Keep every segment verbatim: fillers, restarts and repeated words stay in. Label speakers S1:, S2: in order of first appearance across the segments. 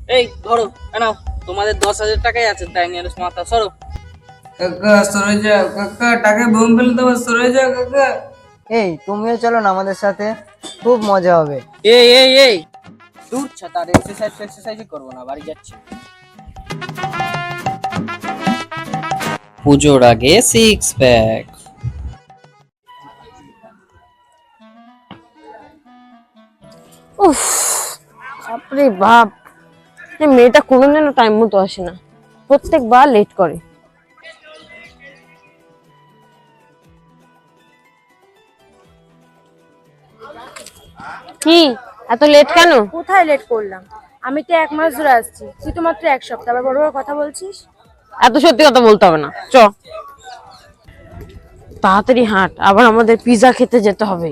S1: এই ধরো, নাও তোমাদের দশ হাজার টাকাই আছে, তাই নিয়ে মাথা সরো।
S2: কাকা সরে যাও কাকা, টাকা বোম ফেলে দেবো, সরে যাও কাকা।
S3: এই তুমিও চলো না আমাদের সাথে, খুব মজা হবে।
S1: এই এই এই দূর ছাতা, আর এক্সারসাইজ এক্সারসাইজই করবো না, বাড়ি যাচ্ছি। পুজোর আগে সিক্স প্যাক।
S4: উফ, বাপরে বাপ, এই মেয়েটা কোনোদিন টাইম মতো আসে না, প্রত্যেকবার লেট করে। কি এত লেট কেন?
S5: কোথায় লেট করলাম? আমি তো এক মাস ধরে আসছি, তুই তো মাত্র এক সপ্তাহ, আবার বড় বড় কথা বলছিস।
S4: এত সত্যি কথা বলতে হবে না, চ তাড়াতাড়ি হাঁট, আবার আমাদের পিৎজা খেতে যেতে হবে।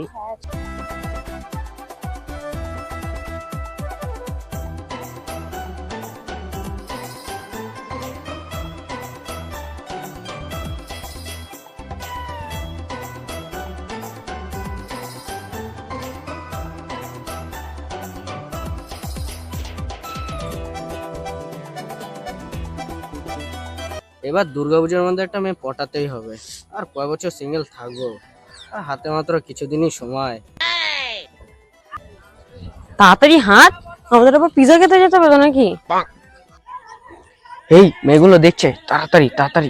S1: এবার দুর্গাপূজার মধ্যে একটা মেয়ে পটাতেই হবে, আর কয় বছর সিঙ্গেল থাকবো, আর হাতে মাত্র কিছুদিনই সময়।
S4: তাড়াতাড়ি হাঁট, আমাদের আবার পিৎজা খেতে যেতে হবে তো নাকি?
S1: এই মেয়েগুলো দেখছে, তাড়াতাড়ি তাড়াতাড়ি।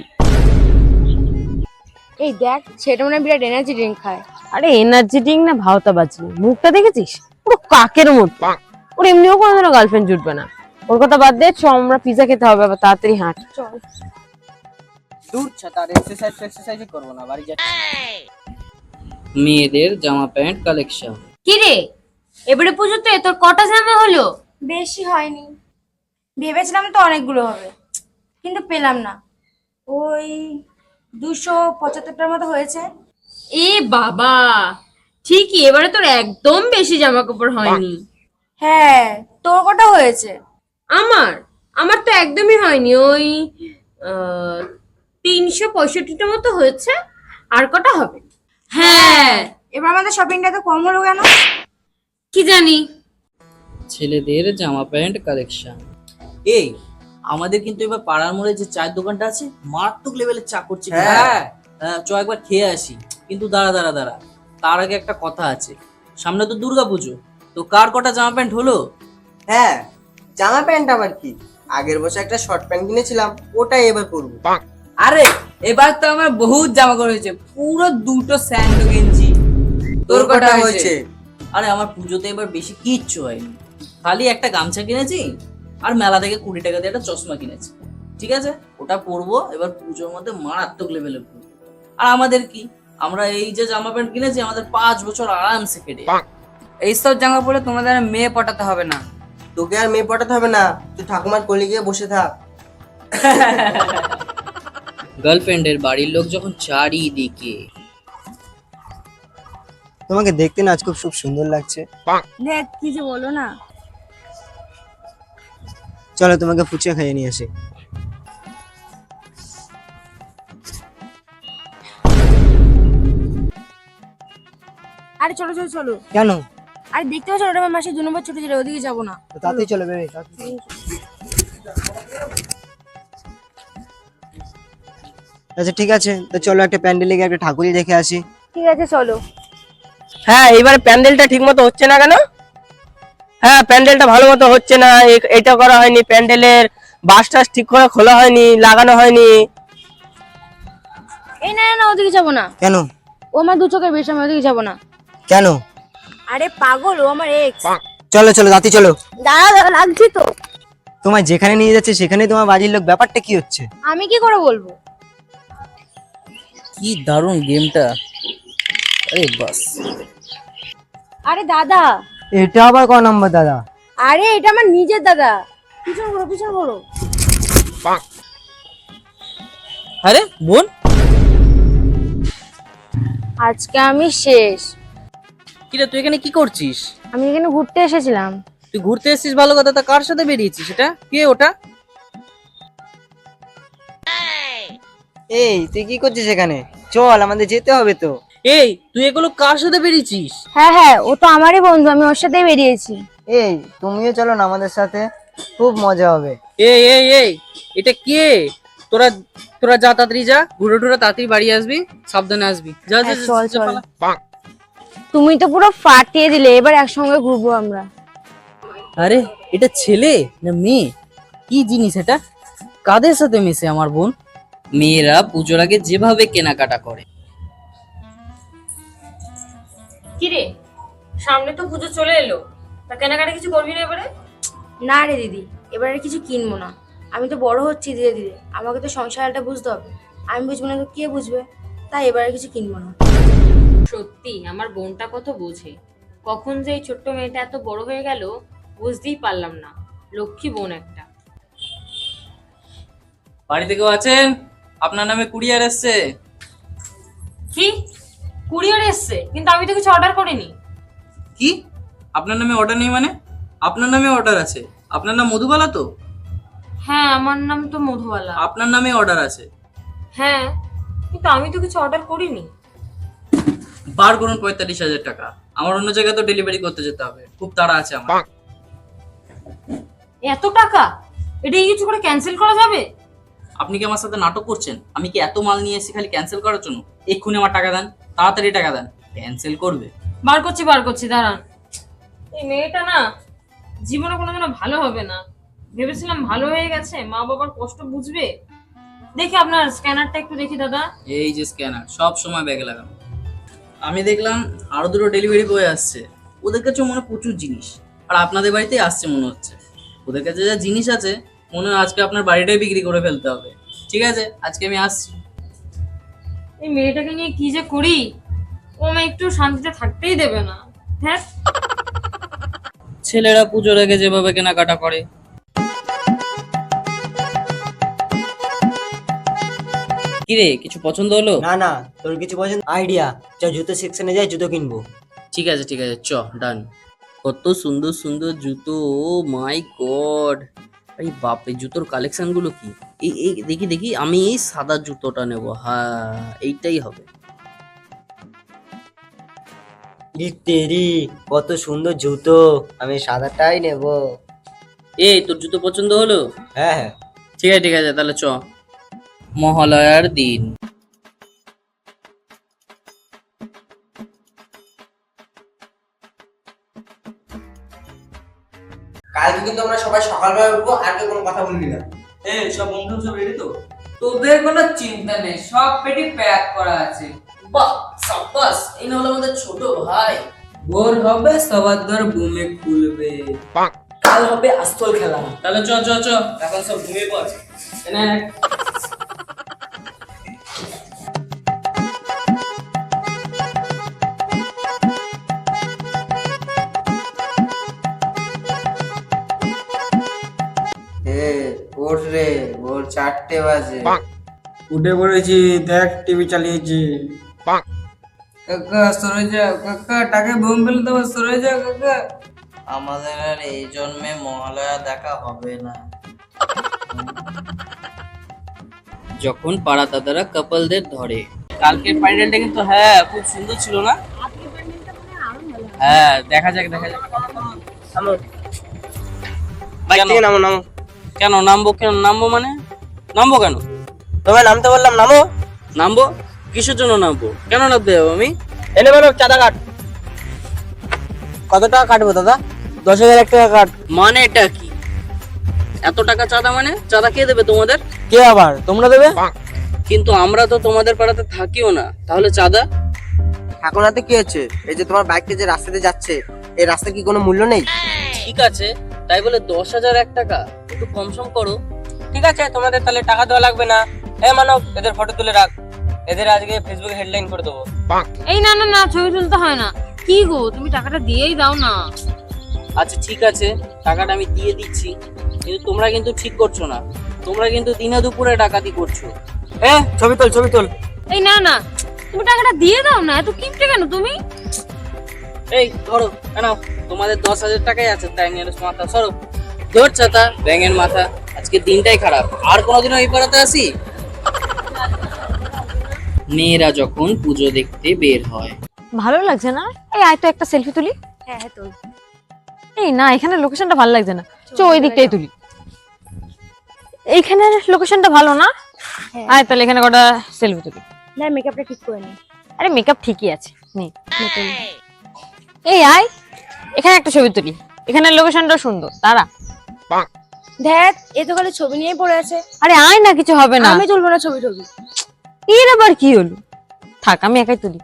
S5: এই দেখ, সেটা মনে হয় বিরাট এনার্জি ড্রিঙ্ক খায়।
S4: আরে এনার্জি ড্রিঙ্ক না ভাওতা বাজি, মুখটা দেখেছিস পুরো কাকের মতো। ওর এমনিও কোনোদিনও গার্লফ্রেন্ড জুটবে না, ওর কথা বাদ দে, চ আমরা পিৎজা খেতে হবে, আবার তাড়াতাড়ি হাঁট।
S5: চল।
S1: দূর ছাতা, আর এক্সারসাইজ এক্সারসাইজই করবো না, বাড়ি যাচ্ছি। মেয়েদের জামা প্যান্ট কালেকশন।
S6: কি রে, এবারে পুজোতে তোর কটা জামা হলো?
S5: বেশি হয়নি, ভেবেছিলাম তো অনেকগুলো হবে, কিন্তু পেলাম না। ওই দুশো পঁচাত্তরটার মতো হয়েছে।
S6: এ বাবা, ঠিকই, এবারে তোর একদম বেশি জামা কাপড় হয়নি।
S5: হ্যাঁ, তোর কটা হয়েছে?
S6: আমার আমার তো একদমই হয়নি, ওই আহ, তিনশো পঁয়ষট্টিটা মতো হয়েছে। আর কটা হবে? হ্যাঁ,
S5: এবার আমাদের শপিংটা তো কম হলো কেন?
S6: কি জানি।
S1: ছেলেদের জামা প্যান্ট কালেকশন। এই আমাদের কিন্তু এবার পাড়ার মোড়ে যে চায়ের দোকানটা আছে, মারাত্মক লেভেলের চা করছে। হ্যাঁ হ্যাঁ, চ একবার খেয়ে আসি। কিন্তু দাঁড়া দাঁড়া দাঁড়া, তার আগে একটা কথা আছে, সামনে তো দুর্গা পুজো, তো কার কটা জামা প্যান্ট হলো?
S3: হ্যাঁ, জামা প্যান্ট আবার কি, আগের বছর একটা শর্ট প্যান্ট কিনেছিলাম, ওটাই এবার পরবো।
S2: আরে এবার তো আমার বহুত জামা কাপড় হয়েছে, পুরো দুটো স্যান্ডো গেঞ্জি। তোর কটা হয়েছে?
S1: আরে আমার পুজোতে এবার বেশি কিচ্ছু হয়নি, খালি একটা গামছা কিনেছি, আর মেলা থেকে কুড়ি টাকা দিয়ে একটা চশমা কিনেছি। ঠিক আছে, ওটা পরবো, এবার পুজোর মধ্যে মারাত্মক লেভেলের পরবো। আর আমাদের কি, আমরা এই যে জামা প্যান্ট কিনেছি, আমাদের পাঁচ বছর আরামসে কেটে যাবে।
S2: এইসব জামা পরে তোমাদের আর মেয়ে পটাতে হবে না।
S3: তোকে আর মেয়ে পটাতে হবে না, তুই ঠাকুমার কোলে গিয়ে বসে থাক।
S1: গার্লফ্রেন্ডের বাড়ির লোক যখন চারিদিকে।
S3: তোমাকে দেখতে না আজ খুব খুব সুন্দর লাগছে।
S5: দেখ কি যে বলো না।
S3: চলো তোমাকে ফুচকা খাইয়ে নিয়ে আসি।
S5: আরে চলো চলো চলো।
S3: কেন?
S5: আরে দেখতে পাচ্ছ ওটা আমার মাসে দু নম্বর ছুটি ছিল, ওদিকে যাবো না?
S3: তো তাতেই চলো বেবি। আচ্ছা ঠিক আছে, তো চলো একটা প্যান্ডেলে গিয়ে একটা ঠাকুরই দেখে আসি।
S5: ঠিক আছে চলো।
S2: হ্যাঁ, এবারে প্যান্ডেলটা ঠিক মতো হচ্ছে না কেন? হ্যাঁ, প্যান্ডেলটা ভালো মতো হচ্ছে না, এ- এটা করা হয়নি, প্যান্ডেলের বাস টাস ঠিক করে খোলা হয়নি, লাগানো হয়নি।
S5: এই না না না, ওদিকে যাবো না।
S3: কেন?
S5: ও আমার দু চোখের বেশ, আমি ওদিকে যাবো না।
S3: কেন?
S5: আরে পাগল, ও আমার এক্স।
S3: চলো চলো তাতে চলো।
S5: দাঁড়া দাঁড়া, লাগছি তো।
S3: তোমায় যেখানে নিয়ে যাচ্ছে সেখানে তোমার বাড়ির লোক, ব্যাপারটা কি হচ্ছে?
S5: আমি কি করে বলবো?
S1: কি দারুণ গেমটা, আরে বাস।
S5: আরে দাদা।
S3: এটা আবার ক নাম্বার দাদা?
S5: আরে এটা আমার নিজের দাদা। পিছন ঘোরো পিছন ঘোরো।
S1: আরে বোন,
S5: আজকে আমি শেষ।
S1: কিরে তুই এখানে কি করছিস?
S5: আমি এখানে ঘুরতে এসেছিলাম।
S1: তুই ঘুরতে এসেছিস ভালো কথা, তা কার সাথে বেরিয়েছিস? এটা কে ওটা?
S3: এই তুই কি করছিস এখানে? চল আমাদের যেতে হবে তো।
S1: এই তুই এগুলো কার সাথে বেরিয়েছিস?
S5: হ্যাঁ হ্যাঁ, ও তো আমারই বন্ধু, আমি ওর সাথেই বেরিয়েছি।
S3: এই তুমিও চলো না আমাদের সাথে। খুব মজা হবে।
S1: এই এই এই এটা কে? তোরা তোরা যা তাড়াতাড়ি যা, ঘুরে টুরে তাড়াতাড়ি বাড়ি আসবি, সাবধানে আসবি। যা যা
S4: হ্যাঁ,
S1: যা,
S4: চল,
S1: যা,
S4: চল।
S1: পালা।
S4: তুমি তো পুরো ফাটিয়ে দিলে, এবার একসঙ্গে ঘুরবো আমরা।
S1: আরে এটা ছেলে না মেয়ে? কি জিনিস এটা? কাদের সাথে মিশে আমার বোন? মেয়েরা পুজোর আগে যেভাবে কেনাকাটা করে।
S6: কিরে, সামনে তো পুজো চলে এলো, তা কেনাকাটা কিছু করবি না এবারে?
S5: না রে দিদি, এবার আর কিছু কিনবো না। আমি তো বড় হচ্ছি ধীরে ধীরে, আমাকে তো সংসারটা বুঝতে হবে। আমি বুঝবো না তো কে বুঝবে? তাই এবার আর কিছু কিনবো না।
S6: সত্যি আমার বোনটা কত বোঝে। কখন যে এই ছোট্ট মেয়েটা এত বড় হয়ে গেল বুঝতেই পারলাম না। লক্ষ্মী বোন একটা।
S1: বাড়িতে কেউ আছেন? আপনার নামে কুরিয়ার এসছে।
S6: কি কুরিয়ার এসছে? কিন্তু আমি তো কিছু অর্ডার করিনি।
S1: কি? আপনার নামে অর্ডার নেই মানে? আপনার নামে অর্ডার আছে। আপনার নাম মধুবালা তো?
S6: হ্যাঁ, আমার নাম তো মধুবালা।
S1: আপনার নামে অর্ডার আছে।
S6: হ্যাঁ, কিন্তু আমি তো কিছু অর্ডার করিনি।
S1: বার করুন পঁয়তাল্লিশ হাজার টাকা। আমার অন্য জায়গায় তো ডেলিভারি করতে যেতে হবে, খুব তাড়া আছে আমার।
S6: এত টাকা? এটা কিছু করে ক্যান্সেল করা যাবে?
S1: আপনি কি আমার সাথে নাটক করছেন? আমি কি এত মাল নিয়ে এসেছি খালি ক্যান্সেল করার জন্য? এক্ষুনি আমার টাকা দেন, তাড়াতাড়ি টাকা দেন। ক্যান্সেল করবে?
S6: বার করছি বার করছি দাঁড়ান। এই মেয়েটা না জীবনে কোনোদিনও ভালো হবে না। ভেবেছিলাম ভালো হয়ে গেছে, মা বাবার কষ্ট বুঝবে। দেখি আপনার স্ক্যানারটা একটু দেখি দাদা।
S1: এই যে স্ক্যানার, সব সময় ব্যাগে লাগানো। আমি দেখলাম আরো দুটো ডেলিভারি বয় আসছে, ওদের কাছে মনে হয় প্রচুর জিনিস, আর আপনাদের বাড়িতেই আসছে মনে হচ্ছে। ওদের কাছে যা জিনিস আছে মনে হয় আজকে আপনার বাড়িটাই বিক্রি করে ফেলতে হবে। ঠিক আছে, আজকে আমি আসছি।
S6: এই মেয়েটাকে নিয়ে কি যে করি, ও আমায় একটু শান্তিতে থাকতেই দেবে না। হ্যাঁ,
S1: ছেলেরা পুজোর আগে যেভাবে কেনাকাটা করে। কিরে, কিছু পছন্দ হলো?
S3: না না, তোর কিছু পছন্দ? আইডিয়া, চ জুতো সেকশনে যাই, জুতো কিনবো।
S1: ঠিক আছে ঠিক আছে, চ ডান। কত সুন্দর সুন্দর জুতো, ও মাই গড! আরে বাপ, এই জুতোর কালেকশন গুলো কি! এই এই দেখি দেখি, আমি এই সাদা জুতোটা নেব। হ্যাঁ, এইটাই হবে।
S3: তেরি, কত সুন্দর জুতো, আমি সাদাটাই নেব।
S1: এই, তোর জুতো পছন্দ হলো?
S3: হ্যাঁ হ্যাঁ।
S1: ঠিক আছে ঠিক আছে, তাহলে চ। মহালয়ার দিন।
S3: কালকে কিন্তু আমরা সবাই সকালবেলা উঠবো, আর কেউ কোনো কথা বলবি না।
S1: এই সব বন্ধু সব রেডি তো? তোদের কোনো চিন্তা নেই, সব পেটি প্যাক করা আছে। বাহ, সাব্বাস! এই না হলো আমাদের ছোট ভাই। ভোর হবে সবার ঘর ঘুমে খুলবে, কাল হবে আসল খেলা। তাহলে চ চ চ, এখন সব ঘুমিয়ে পড়। এনে নে।
S3: এ ওঠ রে, ভোর চারটে বাজে।
S7: উঠে পড়েছি, দেখ টিভি চালিয়েছি।
S3: কাকা সরে যাও, কাকা টাকে ঘুম ফেলে দেবো, সরে যাও কাকা। আমাদের আর এই জন্মে মহালয়া দেখা হবে না।
S1: যখন পাড়া দাদারা কাপলদের ধরে। কালকের প্যান্ডেলটা কিন্তু হ্যাঁ খুব সুন্দর ছিল না? হ্যাঁ, দেখা যাক দেখা যাক।
S2: বাইক থেকে নামো নামো।
S1: কেন নামবো? কেন নামবো মানে? নামবো কেন?
S2: তোমায় নামতে বললাম, নামো।
S1: নামবো? কিসের জন্য নামবো? কেন নামতে যাবো আমি?
S2: এনে বলো চাঁদা কাট। কত টাকা কাটবো দাদা? দশ হাজার এক টাকা কাট।
S1: মানে এটা কি? এত টাকা চাঁদা মানে? চাঁদা কে দেবে তোমাদের?
S2: কে আবার? তোমরা দেবে?
S1: কিন্তু আমরা তো তোমাদের পাড়াতে থাকিও না, তাহলে চাঁদা?
S3: এখন হাতে কি হচ্ছে? এই যে তোমার বাইকটা যে রাস্তাতে যাচ্ছে, এই রাস্তা কি কোনো মূল্য নেই?
S1: ঠিক আছে, তাই বলে দশ হাজার এক টাকা? একটু কম সম করো।
S2: ঠিক আছে, তোমাদের তাহলে টাকা দেওয়া লাগবে না। এ মানব, এদের ফটো তুলে রাখ, এদের আজকে ফেসবুকে হেডলাইন করে দেবো।
S6: এই না না না, ছবি তুলতে হয় না। কি গো, তুমি টাকাটা দিয়েই দাও না।
S1: আচ্ছা ঠিক আছে, টাকাটা আমি দিয়ে দিচ্ছি, কিন্তু তোমরা কিন্তু ঠিক করছো না। তোমরা কিন্তু দিনে দুপুরে ডাকাতি করছো।
S2: এ ছবি তোল, ছবি তোল।
S6: এই না না, তুমি টাকাটা দিয়ে দাও না, এত কিপটে কেন তুমি?
S1: এই ধরো, কেন তোমাদের দশ হাজার টাকাই আছে, তাই নিয়ে মাথা সরো। ধর ছাতা, ব্যাঙের মাথা, আজকে দিনটাই খারাপ। আর কোনোদিনও এই পাড়াতে আসি? মেয়েরা যখন পুজো দেখতে বের হয়।
S4: ভালো লাগছে না? এই আয় তো একটা সেলফি তুলি।
S5: হ্যাঁ হ্যাঁ তোল।
S4: এই না, এখানে লোকেশনটা ভালো লাগছে না, চ ওই দিকটাই তুলি। এইখানে লোকেশনটা ভালো না?
S5: হ্যাঁ।
S4: আয় তাহলে এখানে কটা সেলফি তুলি।
S5: না মেকআপটা ঠিক করে নি।
S4: আরে মেকআপ ঠিকই আছে, নে এই আয় এখানে একটা ছবি তুলি, এখানে লোকেশনটা সুন্দর, তারা।
S5: দেখ এ তো খালি ছবি নিয়েই পড়ে আছে।
S4: আরে আয় না, কিছু হবে না।
S5: আমি তুলবো না ছবি টবি।
S4: এর আবার কি হলো? থাক আমি একাই তুলি।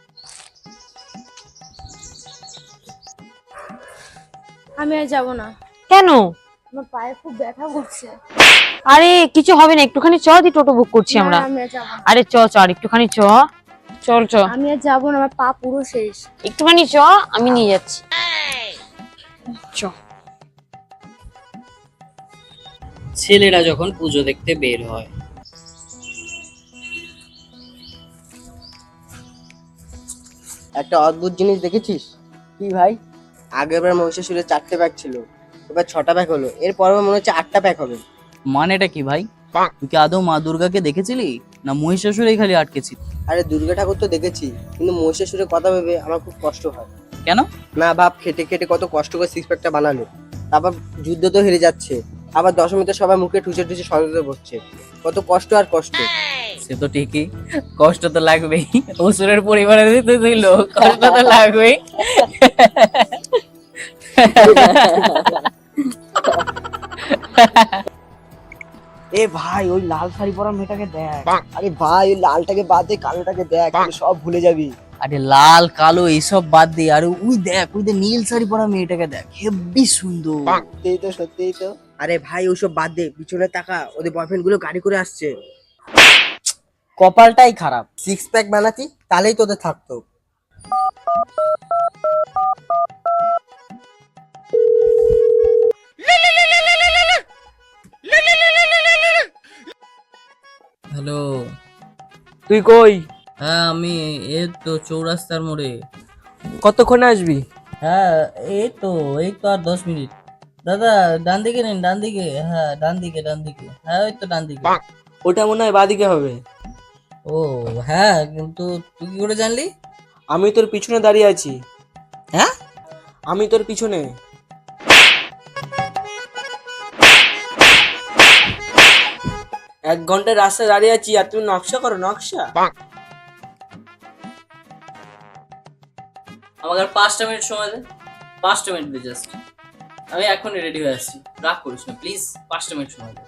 S5: আমি আর যাবো না,
S4: কেন?
S5: আমার পায়ে খুব ব্যথা করছে।
S4: আরে কিছু হবে না, একটুখানি চ, দি টোটো বুক করছি আমরা।
S5: না, আমি আর যাবো না।
S4: আরে চ চ আর একটুখানি চ, চল চ
S5: আমি আর যাবো না, আমার পা পুরো শেষ।
S4: একটুখানি চ, আমি নিয়ে যাচ্ছি। চ।
S1: ছেলেরা যখন পুজো দেখতে বের হয়,
S2: একটা অদ্ভুত জিনিস দেখেছিস? কি ভাই? আগেরবার মহিষাসুরের চারটে ব্যাগ ছিল, এবার ছটা ব্যাগ হলো, এরপর মনে হচ্ছে আটটা ব্যাগ হবে।
S1: মানেটা কি ভাই? তুই কি আদৌ মা দুর্গাকে দেখেছিলি, না মহিষাসুরেই খালি আটকেছিলি?
S2: আরে দুর্গা ঠাকুর তো দেখেছি, কিন্তু মহিষাসুরের কথা ভেবে আমার খুব কষ্ট হয়।
S1: কেন?
S2: না ভাব, খেটে খেটে কত কষ্ট করে সিক্স প্যাকটা বানালো, তারপর যুদ্ধ তো হেরে যাচ্ছে, আবার দশমীতে সবাই মুখে ঠুসে ঠুসে সরতে বসছে, কত কষ্ট আর কষ্ট।
S1: সে তো ঠিকই, কষ্ট তো লাগবেই, অসুরের পরিবারে দিতে দিল, কষ্ট তো লাগবেই।
S3: এ ভাই ওই লাল শাড়ি পরা মেয়েটাকে দেখ।
S2: আরে ভাই, ওই লালটাকে বাদ দে, কালোটাকে দেখ, তুই সব ভুলে যাবি।
S1: আরে লাল কালো এইসব বাদ দে, আরে ওই দেখ, ওই দেখ নীল শাড়ি পরা মেয়েটাকে দেখ, হেব্বি সুন্দর।
S2: সত্যিই তো, সত্যিই তো। আরে ভাই ওইসব বাদ দে, পিছনে তাকা, ওদের বয়ফ্রেন্ড গুলো গাড়ি করে আসছে।
S3: কপালটাই খারাপ।
S2: সিক্স প্যাক বানাতি, তাহলেই তোদের থাকতো।
S1: হ্যালো,
S3: তুই কই?
S1: হ্যাঁ আমি এই তো চৌরাস্তার মোড়ে।
S3: কতক্ষণে আসবি?
S1: হ্যাঁ এই তো, এই তো আর দশ মিনিট। দাদা ডান দিকে নিন, ডান দিকে, হ্যাঁ ডান দিকে, ডান দিকে, হ্যাঁ ওই তো ডান দিকে।
S3: ওটা মনে হয় বাদিকে হবে।
S1: ও হ্যাঁ, কিন্তু তুই কি করে জানলি?
S3: আমি তোর পিছনে দাঁড়িয়ে আছি।
S1: হ্যাঁ
S3: আমি তোর পিছনে। এক ঘন্টায় রাস্তায় দাঁড়িয়ে আছি আর তুমি নকশা করো, নকশা।
S1: আমাকে আর পাঁচটা মিনিট সময় দে, পাঁচটা মিনিট দে জাস্ট, আমি এখনই রেডি হয়ে আসছি, রাগ করিস না প্লিজ, পাঁচটা মিনিট সময় দে।